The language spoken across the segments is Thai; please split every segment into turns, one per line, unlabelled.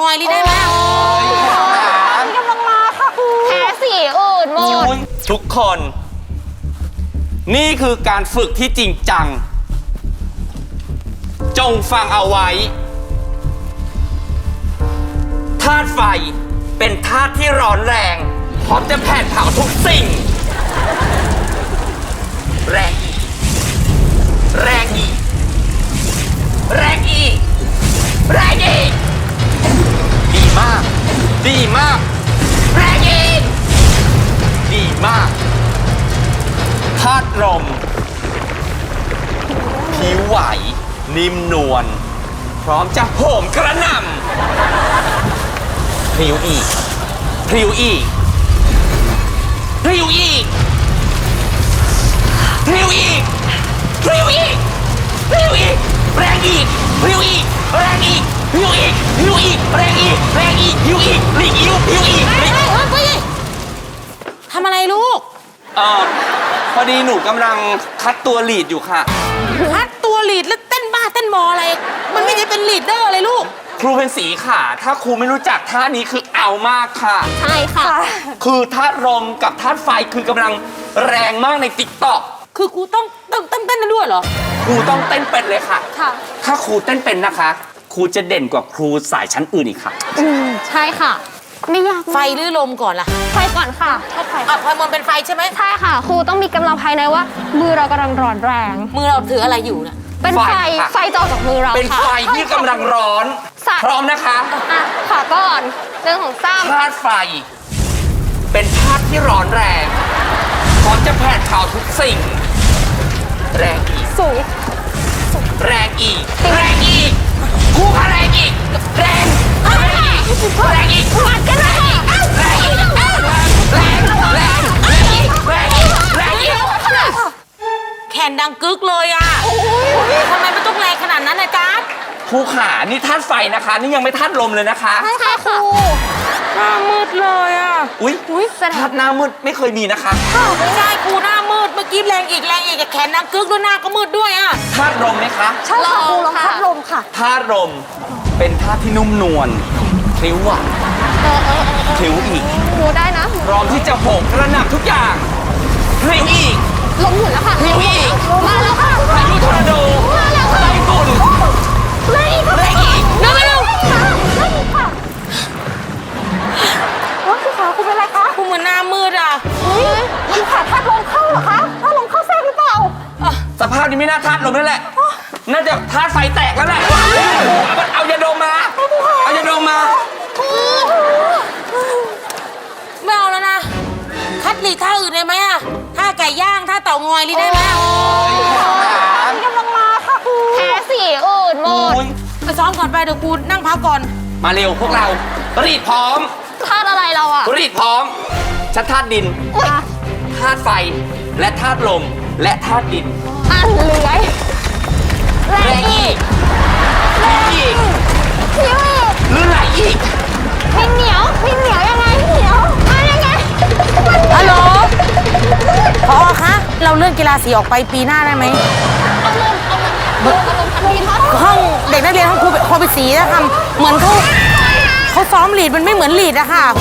อยลีได้ไหม
กำลังมาค่ะครูแพ้สีอื่นหมด
ทุกคนนี่คือการฝึกที่จริงจังจงฟังเอาไว้ธาตุไฟเป็นธาตุที่ร้อนแรงพร้อมจะแผดเผาทุกสิ่งแรงอีกแรงอีกแรงอีกแรงอีกดีมากดีมากแรงอีกดีมากธาตุลมผิวไหวนิ่มนวลพร้อมจะโหมกระหน่ำพริ้วอีกพริ้วอีกพริ้วอีกพริ้วอีกพริ้วอีกพริ้วอีกแรงอีกพริ้วอีกแรงอีกพริ้วอีกพริ้วอีกแรงอีกแรงอีกพริ้วอีกหลีกอิ้วพริ้วอีก
ทำอะไรลูก
พอดีหนูกำลังคัดตัวลีดอยู่ค่ะ
คัดตัวลีดแล้วเต้นบ้าเต้นบออะไรมันไม่ได้เป็นลีดเดอร์เลยลูก
ครูเป็นสีค่ะถ้าครูไม่รู้จักท่านี้คือเอามากค่ะ
ใช่ค่ะ
คือธาตุลมกับธาตุไฟคือกำลังแรงมากในติ๊กต็อก
คือครูต้องเต้นด้วยเหรอ
ครูต้องเต้นเป็นเลยค่ะ
ค่ะ
ถ้าครูเต้นเป็นนะคะครูจะเด่นกว่าครูสายชั้นอื่นอีกค่ะ
ใช่ค่ะไม่ยาก
ไฟหรือลมก่อนล่ะ
ไฟก่อนค่ะไฟ
พอยมนเป็นไฟใช่ไหม
ใช่ค่ะครูต้องมีกำลังภายในว่ามือเรากำลังร้อนแรง
มือเราถืออะไรอยู่เนี่ย
เป็นไฟจะออกจากมือเรา
เป็นไฟที่กำลังร้อนพร้อมนะคะ
ค่ะก่อนเรื่องของซ้ำ
ธาตุไฟเป็นธาตุที่ร้อนแรงพร้อมจะแผดเผาทุกสิ่งแรงอีก
สูง
แรงอีกแรงอีกคู่ค่ะแรงอีกแรงอีกแรงอีก
วัดกันเลย
แรงอีกแรงอีกแรงอีกแรงอีก
แขนดังกึกเลยอ่ะทำไมไม่ต้องแรงขนาดนั้นนะจ๊ะ
ครูขานี่ธาตุไฟนะคะนี่ยังไม่ธาตุลมเลยนะคะ
ใช่ครู
หน้ามืดเลยอ่ะ
อุ้ยธาตุหน้ามืดไม่เคยมีนะคะ
ไม่ใช่ครูหน้ามืดเมื่อกี้แรงอีกแขนดังกึกด้วยหน้าก็มืดด้วยอ่ะ
ธาตุลมไหมคะ
ใช่ค่ะครูลมธาตุลมค่ะ
ธาตุลมเป็นธาตุที่นุ่มนวลพริ้วอ่ะพริ้วอีก
ครูได้นะ
พร้อมที่จะโหมกระหน่ำทุกอย่างพริ้วอีก
ลมหมุนแล้วค่ะ
พริ้วอีก
มาแล้วค่ะ
พายุทอร์นาโด
มาแล้วค่ะ
ไต้ฝุ่น
แรงอีก
เร็ว
ค่ะว่าคือขาคุณเป็นไรคะ
คุณเหมือนหน้ามืดอ่ะ
มันขาดธาตุลมเข้าเหรอคะธาตุลมเข้าแทรกหรือเปล่า
สภาพนี้ไม่น่าธาตุลมนั่นแหละน่าจะธาตุไฟแตกแล้วแหละเอายาดมมาเอายาดมมา
ไม่เอาแล้วนะคัดลีท่าอื่นได้ไหมอะท่าไก่ย่างท่าเต่างอยลีได้ไหม
กำลังมาค่ะครูแพ้สีอื่นหมด
ไปซ้อมก่อนไปเดี๋ยวครูนั่งพักก่อน
มาเร็วพวกเรารีดพร้อม
ธาตุอะไรเราอะ
รีดพร้อมชัดธาตุดินธาตุไฟและธาตุลมและธาตุดิน
เลื้อย
แรงอีกแรงอีก
พิ้วอีก
หรือไหลอีก
พิ้งเหนียวยังไงเหนียวยังไง
ฮัลโหลพอคะเราเลื่อนกีฬาสีออกไปปีหน้าได้ไหมห้องเด็กนักเรียนห้องครูไปสีนะทำเหมือนเขาซ้อมลีดมันไม่เหมือนลีดอะค่ะ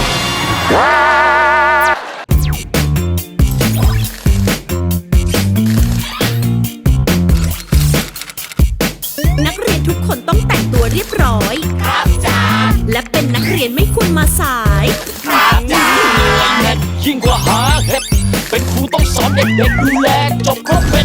นักเรียนทุกคนต้องแต่งตัวเรียบร้อยครับจ้าและเป็นนักเรียนไม่ควรมาสาย
ครับจ้ายิ่งกว่าหาเห็ดเป็นครูต้องสอนเด็กๆดูแลจบครบเป็น